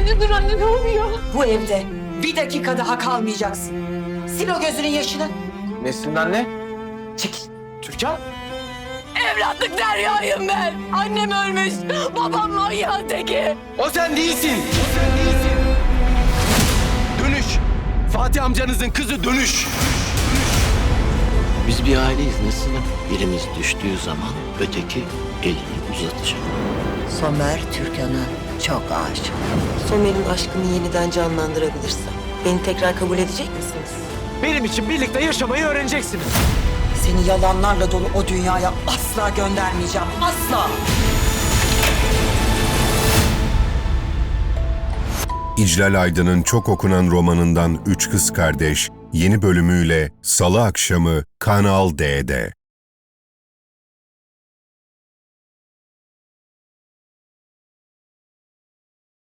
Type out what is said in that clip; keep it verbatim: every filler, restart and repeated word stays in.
Anne dur anne, ne oluyor? Bu evde bir dakika daha kalmayacaksın. Sil o gözünün yaşını. Nesin anne? Çekil. Türkan? Evlatlık Derya'yım ben. Annem ölmüş. Babam manyağın teki. O sen değilsin. O sen değilsin. Dönüş. Fatih amcanızın kızı dönüş. Biz bir aileyiz Nesin. Birimiz düştüğü zaman öteki elini uzatacak. Somer Türkan'a çok aşık. Somer'in aşkını yeniden canlandırabilirsem beni tekrar kabul edecek misiniz? Benim için birlikte yaşamayı öğreneceksiniz. Seni yalanlarla dolu o dünyaya asla göndermeyeceğim. Asla. İclal Aydın'ın çok okunan romanından Üç Kız Kardeş yeni bölümüyle Salı akşamı Kanal D'de.